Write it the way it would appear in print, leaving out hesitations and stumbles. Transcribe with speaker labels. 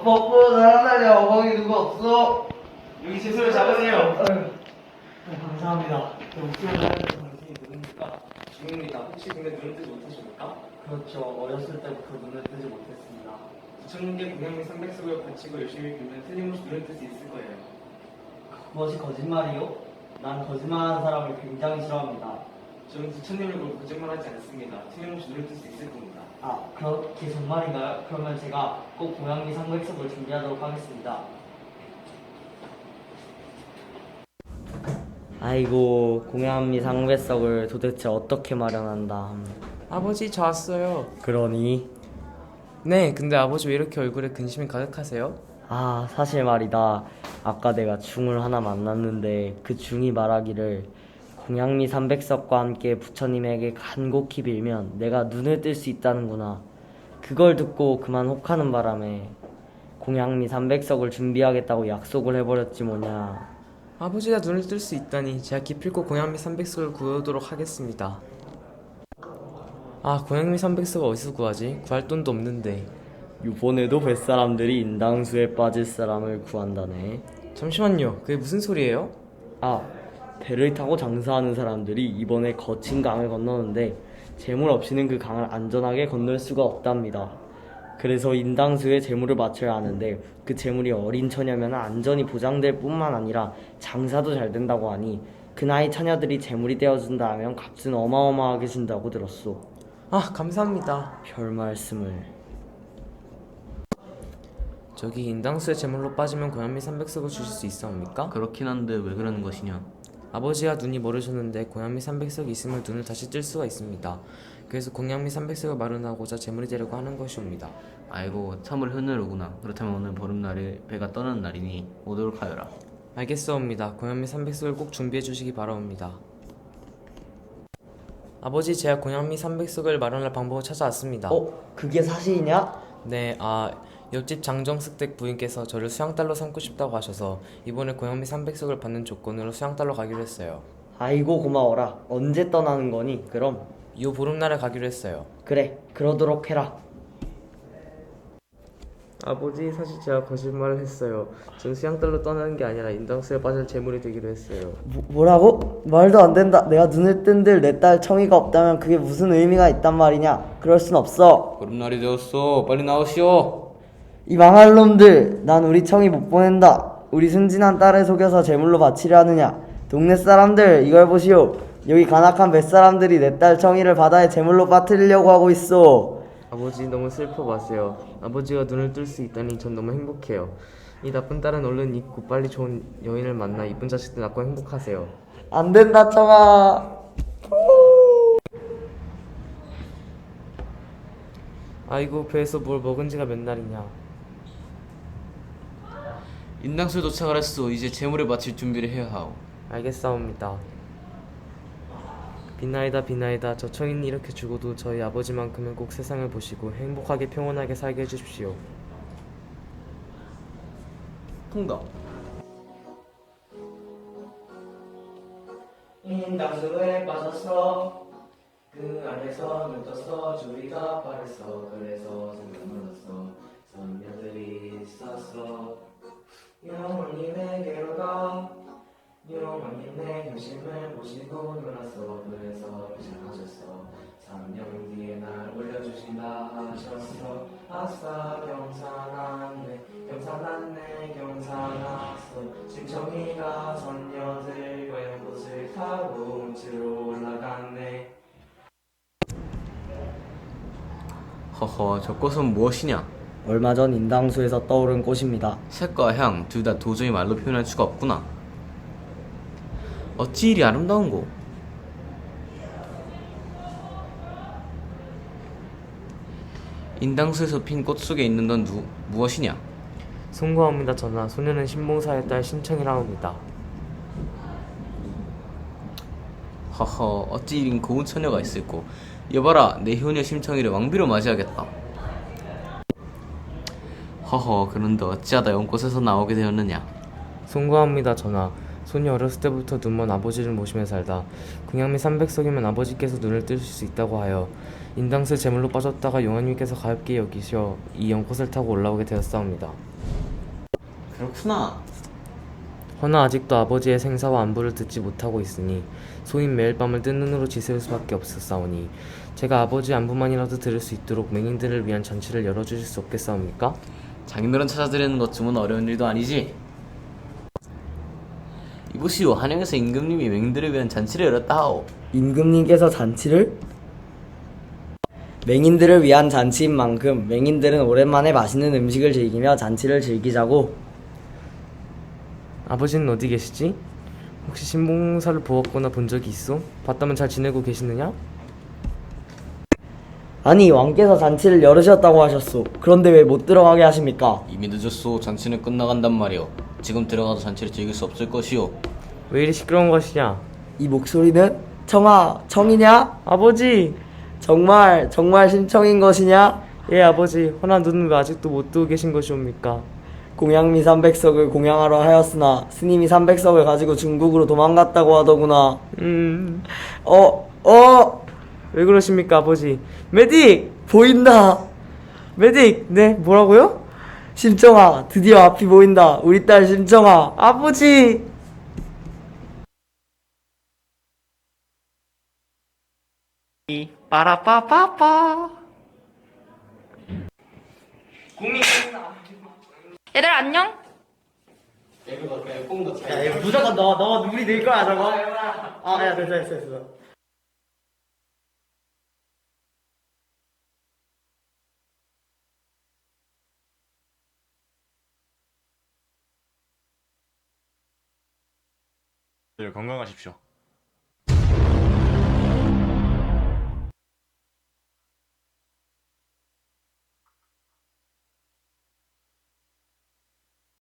Speaker 1: 뽀뽀 잘한다냐. 어머니 누구 없어?
Speaker 2: 여기 제 손을 잡으세요.
Speaker 1: 감사합니다. 목소리 하는 당신이 누굽니까?
Speaker 2: 중입니다. 혹시 근데 눈을 뜨지 못하십니까?
Speaker 1: 그렇죠. 어렸을 때부터 눈을 뜨지 못했습니다.
Speaker 2: 부처님께 공양 및 300석을 바치고 열심히 빌면 틀림없이 눈을 뜰 수 있을 거예요.
Speaker 1: 그것이 거짓말이요? 난 거짓말하는 사람을 굉장히 싫어합니다.
Speaker 2: 저는 부처님을 보고 거짓말하지 않습니다. 틀림없이 눈을 뜰 수 있을 겁니다.
Speaker 1: 아, 그렇게 정말인가요? 그러면 제가 꼭 고양이 상백석을 준비하도록 하겠습니다. 아이고, 공양미 상백석을 도대체 어떻게 마련한다.
Speaker 3: 아버지, 저 왔어요.
Speaker 1: 그러니?
Speaker 3: 네, 근데 아버지 왜 이렇게 얼굴에 근심이 가득하세요?
Speaker 1: 아, 사실 말이다. 아까 내가 중을 하나 만났는데 그 중이 말하기를 공양미 삼백석과 함께 부처님에게 간곡히 빌면 내가 눈을 뜰 수 있다는구나. 그걸 듣고 그만 혹하는 바람에 공양미 삼백석을 준비하겠다고 약속을 해버렸지 뭐냐.
Speaker 3: 아버지가 눈을 뜰 수 있다니 제가 기필코 고양미 300석을 구하도록 하겠습니다. 아, 고양미 300석을 어디서 구하지? 구할 돈도 없는데.
Speaker 1: 이번에도 뱃사람들이 인당수에 빠질 사람을 구한다네.
Speaker 3: 잠시만요, 그게 무슨 소리예요?
Speaker 1: 아, 배를 타고 장사하는 사람들이 이번에 거친 강을 건너는데 재물 없이는 그 강을 안전하게 건널 수가 없답니다. 그래서 인당수에 재물을 바쳐야 하는데 그 재물이 어린 처녀면 안전이 보장될 뿐만 아니라 장사도 잘 된다고 하니 그 나이 처녀들이 재물이 되어준다 하면 값은 어마어마하게 준다고 들었소.
Speaker 3: 아, 감사합니다.
Speaker 1: 별 말씀을.
Speaker 3: 저기 인당수에 제물로 빠지면 고양미 300석을 주실 수 있사옵니까?
Speaker 4: 그렇긴 한데 왜 그러는 것이냐?
Speaker 3: 아버지가 눈이 멀으셨는데 고양미 300석이 있으면 눈을 다시 뜰 수가 있습니다. 그래서 공양미 300석을 마련하고자 제물이 되려고 하는 것이옵니다.
Speaker 4: 아이고 참을 흐느르구나. 그렇다면 오늘 보름날에 배가 떠나는 날이니 오도록 하여라.
Speaker 3: 알겠사옵니다. 고양미 300석을 꼭 준비해 주시기 바라옵니다. 아버지, 제가 고양미 300석을 마련할 방법을 찾아왔습니다.
Speaker 1: 그게 사실이냐?
Speaker 3: 네, 옆집 장정숙댁 부인께서 저를 수양딸로 삼고 싶다고 하셔서 이번에 고양미 300석을 받는 조건으로 수양딸로 가기로 했어요.
Speaker 1: 아이고 고마워라. 언제 떠나는 거니? 그럼
Speaker 3: 이 보름날에 가기로 했어요.
Speaker 1: 그래, 그러도록 해라.
Speaker 3: 아버지, 사실 제가 거짓말을 했어요. 전 수양딸로 떠나는 게 아니라 인당수에 빠질 제물이 되기로 했어요.
Speaker 1: 뭐라고? 말도 안 된다. 내가 눈을 뜬들 내 딸 청이가 없다면 그게 무슨 의미가 있단 말이냐? 그럴 순 없어.
Speaker 4: 보름날이 되었소. 빨리 나오시오.
Speaker 1: 이 망할 놈들, 난 우리 청이 못 보낸다. 우리 순진한 딸을 속여서 제물로 바치려 하느냐? 동네 사람들, 이걸 보시오. 여기 간악한 뱃사람들이 내 딸 청이를 바다에 제물로 빠뜨리려고 하고 있어.
Speaker 3: 아버지, 너무 슬퍼 마세요. 아버지가 눈을 뜰 수 있다니 전 너무 행복해요. 이 나쁜 딸은 얼른 잊고 빨리 좋은 여인을 만나 이쁜 자식들 낳고 행복하세요.
Speaker 1: 안 된다, 청아.
Speaker 3: 아이고, 배에서 뭘 먹은 지가 몇 날이냐.
Speaker 4: 인당수에 도착을 했소. 이제 재물을 바칠 준비를 해야 하오.
Speaker 3: 알겠사옵니다. 비나이다 비나이다, 저 청인이 이렇게 죽어도 저희 아버지만큼은 꼭 세상을 보시고 행복하게 평온하게 살게 해주십시오.
Speaker 4: 통닭.
Speaker 1: 인당수에 빠졌어. 그 안에서 눈 떴어. 주위가 빠졌어. 그래서 생각 물었어. 선녀들이 있었어. 영원히 내게로 가. 영원히 내 효심을 모시고 놀았어. 그래서 시작하셨어. 3년 뒤에 날 올려주신다 하셨어. 아싸 경사났네 경사났네 경사났어. 심청이가 선녀들과 연꽃을 타고 움츠러 올라갔네.
Speaker 4: 허허, 저 꽃은 무엇이냐?
Speaker 1: 얼마 전 인당수에서 떠오른 꽃입니다.
Speaker 4: 색과 향 둘 다 도저히 말로 표현할 수가 없구나. 어찌 이리 아름다운고? 인당수에서 핀 꽃 속에 있는 건 무엇이냐?
Speaker 3: 송구합니다 전하. 소녀는 신봉사의 딸 신청이라옵니다.
Speaker 4: 허허, 어찌 이린 고운 처녀가 있을꼬. 여봐라, 내 효녀 심청이를 왕비로 맞이하겠다. 허허, 그런데 어찌하다 연꽃에서 나오게 되었느냐?
Speaker 3: 송구합니다 전하. 소녀 어렸을 때부터 눈먼 아버지를 모시며 살다 공양미 300석이면 아버지께서 눈을 뜨실 수 있다고 하여 인당수의 제물로 빠졌다가 용왕님께서 가볍게 여기셔 이 연꽃을 타고 올라오게 되었사옵니다.
Speaker 4: 그렇구나.
Speaker 3: 허나 아직도 아버지의 생사와 안부를 듣지 못하고 있으니 소인 매일 밤을 뜬 눈으로 지새울 수밖에 없었사오니 제가 아버지의 안부만이라도 들을 수 있도록 맹인들을 위한 잔치를 열어주실 수 없겠사옵니까?
Speaker 4: 장인어른 찾아드리는 것쯤은 어려운 일도 아니지. 이보시오, 한양에서 임금님이 맹인들을 위한 잔치를 열었다오.
Speaker 1: 임금님께서 잔치를? 맹인들을 위한 잔치인 만큼 맹인들은 오랜만에 맛있는 음식을 즐기며 잔치를 즐기자고.
Speaker 3: 아버지는 어디 계시지? 혹시 신봉사를 보았거나 본 적이 있어? 봤다면 잘 지내고 계시느냐?
Speaker 1: 아니, 왕께서 잔치를 열으셨다고 하셨소. 그런데 왜 못 들어가게 하십니까?
Speaker 4: 이미 늦었소. 잔치는 끝나간단 말이오. 지금 들어가도 잔치를 즐길 수 없을 것이오.
Speaker 3: 왜 이리 시끄러운 것이냐?
Speaker 1: 이 목소리는? 청아, 청이냐?
Speaker 3: 아버지!
Speaker 1: 정말 심청인 것이냐?
Speaker 3: 예 아버지, 허나 눈은 왜 아직도 못 뜨고 계신 것이옵니까?
Speaker 1: 공양미 300석을 공양하러 하였으나 스님이 300석을 가지고 중국으로 도망갔다고 하더구나.
Speaker 3: 왜 그러십니까 아버지? 메딕!
Speaker 1: 보인다.
Speaker 3: 메딕! 네 뭐라고요?
Speaker 1: 심청아, 드디어 앞이 보인다. 우리 딸 심청아.
Speaker 3: 아버지!
Speaker 5: 얘들 안녕?
Speaker 1: 야, 무조건 너 눈이 늘 거야, 저거. 아, 야, 됐어.
Speaker 6: 늘 건강하십시오.